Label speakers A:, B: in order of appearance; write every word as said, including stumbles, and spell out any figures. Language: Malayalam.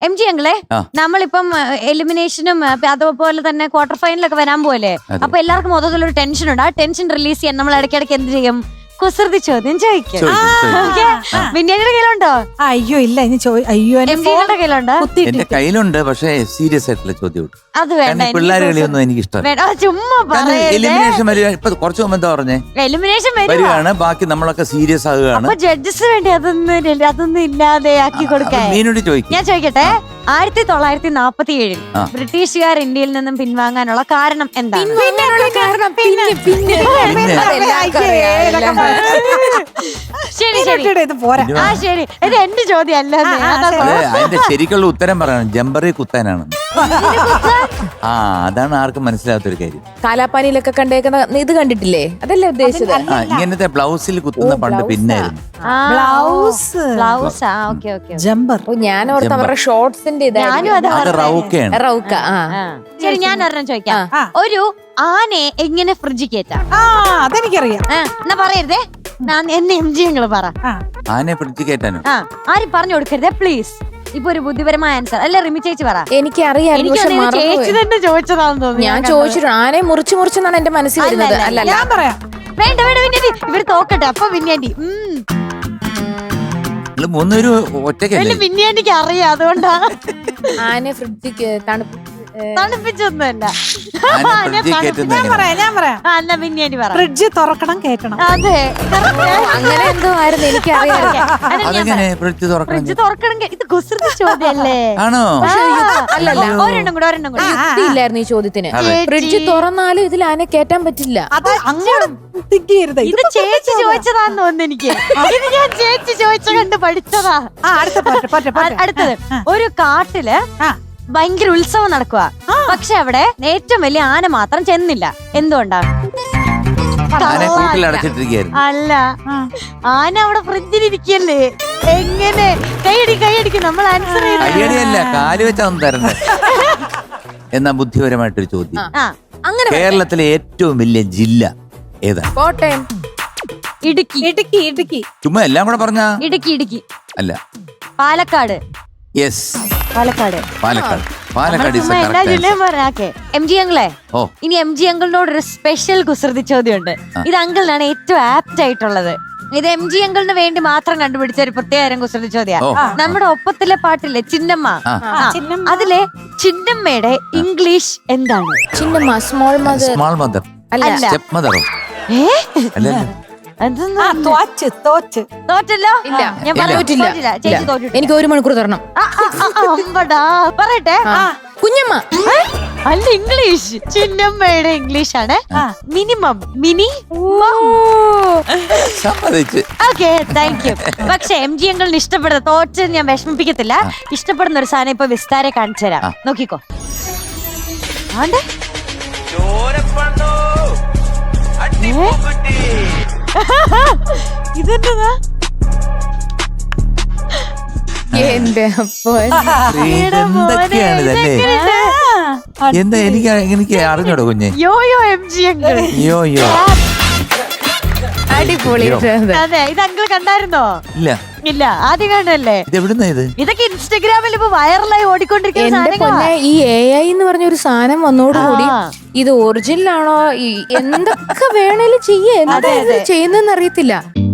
A: എം ജി അങ്കിളെ, നമ്മളിപ്പം എലിമിനേഷനും അതുപോലെ തന്നെ ക്വാർട്ടർ ഫൈനലൊക്കെ വരാൻ പോലെ, അപ്പൊ എല്ലാവർക്കും മൊത്തത്തിലൊരു ടെൻഷൻ ഉണ്ട്. ആ ടെൻഷൻ റിലീസ് ചെയ്യാൻ നമ്മൾ ഇടയ്ക്കിടയ്ക്ക് എന്ത് ചെയ്യും? കുസൃതി ചോദ്യം ചോദിക്കും. ബിന്യാനിയുടെ കയ്യിലുണ്ടോ?
B: അയ്യോ ഇല്ല, ഇനി അയ്യോ
A: എം ജിയുടെ കയ്യിലുണ്ടോ?
C: എന്റെ കയ്യിലുണ്ട്, പക്ഷേ സീരിയസ് ആയിട്ടുള്ള ചോദ്യം.
A: അത് വേണ്ട,
C: പിള്ളേരെ കളിയൊന്നും എനിക്ക് ഇഷ്ടമല്ല.
A: ചുമ്മാ
C: എലിമിനേഷൻ വരിക. ഇപ്പൊ കുറച്ച് മുമ്പ് എന്താ പറഞ്ഞേ?
A: എലിമിനേഷൻ
C: വരികയാണ്, ബാക്കി നമ്മളൊക്കെ സീരിയസ് ആകുകയാണ്.
A: ജഡ്ജസ് വേണ്ടി അതൊന്നും അതൊന്നും ഇല്ലാതെ ആക്കി കൊടുക്കാൻ
C: മീനോട് ചോദിക്കും.
A: ഞാൻ ചോദിക്കട്ടെ, ആയിരത്തി തൊള്ളായിരത്തി നാപ്പത്തി ഏഴിൽ ബ്രിട്ടീഷുകാർ ഇന്ത്യയിൽ നിന്നും പിൻവാങ്ങാനുള്ള കാരണം എന്താണ്? ശരി ശരി ആ ശരി, ഇത് എന്റെ ചോദ്യം അല്ല.
C: അതിന്റെ ശരിക്കുള്ള ഉത്തരം പറയണം, ജമ്പറി കുത്താനാണ്. ആ അതാണ് ആർക്കും മനസ്സിലാത്തൊരു കാര്യം.
D: കാലാപ്പാനിയിലൊക്കെ കണ്ടേക്കുന്ന ഇത് കണ്ടിട്ടില്ലേ? അതല്ലേ ഉദ്ദേശിച്ചത്?
C: ആ ഇങ്ങനത്തെ ബ്ലൗസിൽ കുത്തുന്ന പണ്ട് പിന്നായിരുന്നു.
B: ബ്ലൗസ്
A: ബ്ലൗസ് ആ ഓക്കെ ഓക്കെ
B: ജമ്പർ.
D: ഞാൻ ഓർത്ത് അവരുടെ ഷോർട്സിന്റെ
C: അത് റൗക്കയാണ്.
D: റൗക്ക. ആ
A: ശരി, ഞാൻ ഒരെണ്ണം ചോദിക്കാം. ഒരു ആനയെ എങ്ങനെ ഫ്രിഡ്ജ് കയറ്റാം?
B: ആ അതെനിക്കറിയാം.
A: എന്നാ പറയരുതേ, എന്നെ എം ജി ഞങ്ങള് പറ.
C: ആനയെ ഫ്രിഡ്ജ് കയറ്റാനോ?
A: ആ ആരും പറഞ്ഞു കൊടുക്കരുതേ പ്ലീസ്. ഇപ്പൊ ഒരു ബുദ്ധിപരമായ ആൻസർ അല്ലെ റിമി ചേച്ചി പറ.
D: എനിക്ക് അറിയാം,
A: ചേച്ചി തന്നെ ചോദിച്ചതാണെന്ന് തോന്നുന്നു.
D: ഞാൻ ചോദിച്ചിട്ടുണ്ട്. ആനയെ മുറിച്ച് മുറിച്ചെന്നാണ് എന്റെ മനസ്സിൽ വരുന്നത്. അല്ല
B: ഞാൻ പറയാം.
A: വേണ്ട വേണ്ട വിന്യാണ്ടി, ഇവര് തോക്കട്ടെ അപ്പൊ വിന്യാണ്ടി.
C: മൂന്നൊരു ഒറ്റയ്ക്കല്ലേ?
A: വിന്യാണ്ടിക്ക് അറിയാം, അതുകൊണ്ടാ.
D: ആന ഫ്രിഡ്ജ് തണുപ്പ്
A: തണുപ്പിച്ചൊന്നുമല്ല.
B: ഞാൻ പറയാം ഞാൻ പറയാം
A: എന്നാ വിന്യാണ്ടി പറ.
B: ഫ്രിഡ്ജ് തുറക്കണം കേട്ടണം.
A: അതെ,
D: അങ്ങനെ എന്തോ ആയിരുന്നു, എനിക്ക് അറിയാം.
C: ഫ്രിഡ്ജ് തുറക്കണം.
A: ഫ്രിഡ്ജ് തുറക്കണം. ഇത് കുസൃതി ചോദ്യല്ലേ?
C: ആണോ?
D: അല്ലല്ല,
A: ഒരെണ്ണം കൂടെ ഒരെണ്ണം കൂടെ.
D: യുക്തിയില്ലായിരുന്നു ഈ ചോദ്യത്തിന്. ഫ്രിഡ്ജ് തുറന്നാലും ഇതിൽ ആന കേറ്റാൻ പറ്റില്ല.
B: അത് അങ്ങോട്ട് തിങ്ക് ചെയ്യരുത്.
A: ഇത് ചേച്ചി ചോദിച്ചതാന്ന് തോന്നുന്നു എനിക്ക്. ഇത് ഞാൻ ചേച്ചി ചോദിച്ച കണ്ട് പഠിച്ചതാ. അടുത്തത്, ഒരു കാട്ടില് ഭയങ്കര ഉത്സവം നടക്കുക, പക്ഷെ അവിടെ ഏറ്റവും വലിയ ആന മാത്രം ചെന്നില്ല. എന്തുകൊണ്ടാ? അല്ല, ആന അവിടെ ഫ്രിഡ്ജിലിരിക്കല്ലേ. എങ്ങനെ? കൈയടി കൈയടിക്കും. നമ്മൾ ആൻസർ
C: കൈയടിയല്ല, കാല് വെച്ചാന്ന് തരണ്ടേ. എന്നാ ബുദ്ധിപരമായിട്ടൊരു ചോദ്യം.
D: അങ്ങനെ
C: കേരളത്തിലെ ഏറ്റവും വലിയ ജില്ല ഏതാ?
D: കോട്ടയം.
A: ഇടുക്കി.
B: ഇടുക്കി ഇടുക്കി
C: ചുമ്മാ എല്ലാം കൂടെ പറഞ്ഞാ?
A: ഇടുക്കി ഇടുക്കി
C: അല്ല,
A: പാലക്കാട്.
C: യെസ്,
A: പാലക്കാട്.
C: പാലക്കാട് പാലക്കാട്
A: എല്ലാ ജില്ലയും പറയാക്കെ. എം ജി അങ്കിളെ, ഇനി എം ജി അങ്കിളിനോട് ഒരു സ്പെഷ്യൽ കുസൃതി ചോദ്യമുണ്ട്. ഇത് അങ്കിളിനാണ് ഏറ്റവും ആപ്റ്റ് ആയിട്ടുള്ളത്. ഇത് എം ജി അങ്കിളിന് വേണ്ടി മാത്രം കണ്ടുപിടിച്ച ഒരു പ്രത്യേകം കുസൃതി ചോദ്യ. നമ്മുടെ ഒപ്പത്തിലെ പാട്ടില്ലേ ചിന്നമ്മ, അതിലെ ചിന്നമ്മയുടെ ഇംഗ്ലീഷ് എന്താണ്?
D: ചിന്നമ്മ സ്മോൾ മദർ.
C: സ്മോൾ മദർ അല്ല, സ്റ്റെപ്പ് മദറോ?
A: തോറ്റല്ലോ?
D: ഞാൻ പറഞ്ഞിട്ടില്ല. എനിക്ക് ഒരു മണിക്കൂർ തരണം.
A: പറയട്ടെ.
D: കുഞ്ഞമ്മ
A: അല്ല, ഇംഗ്ലീഷ്. ചിന്നമ്മയുടെ ഇംഗ്ലീഷ് ആണ് minimum. Mini. Okay, thank you. പക്ഷെ എം ജി അങ്കിളിന് ഇഷ്ടപ്പെടുന്ന, തോറ്റ് ഞാൻ വിഷമിപ്പിക്കത്തില്ല, ഇഷ്ടപ്പെടുന്ന ഒരു സാധനം ഇപ്പൊ വിസ്താരെ കാണിച്ചു തരാം. നോക്കിക്കോ. ആണ്ടെ ഇതെന്താ?
C: എന്തൊക്കെയാണ് ഇതല്ലേ? എന്താ എനിക്ക് എനിക്ക് അറിഞ്ഞോടോ കുഞ്ഞെ?
A: Yo yo M G uncle.
C: Yo yo
D: അടിപൊളി.
A: അതെ, ഇത് അങ്കിൾ കണ്ടായിരുന്നോ?
C: ഇല്ല
A: ഇല്ല, ആദ്യം കണ്ടല്ലേ?
C: ഇത് എവിടുന്നാ ഇത്?
A: ഇതൊക്കെ ഇൻസ്റ്റഗ്രാമിൽ ഇപ്പൊ വൈറലായി ഓടിക്കൊണ്ടിരിക്കുന്ന.
D: ഈ എ ഐ എന്ന് പറഞ്ഞ ഒരു സാധനം വന്നോടുകൂടി ഇത് ഒറിജിനൽ ആണോ എന്തൊക്കെ വേണേലും ചെയ്യേ, എന്താ ചെയ്യുന്നതെന്ന് അറിയത്തില്ല.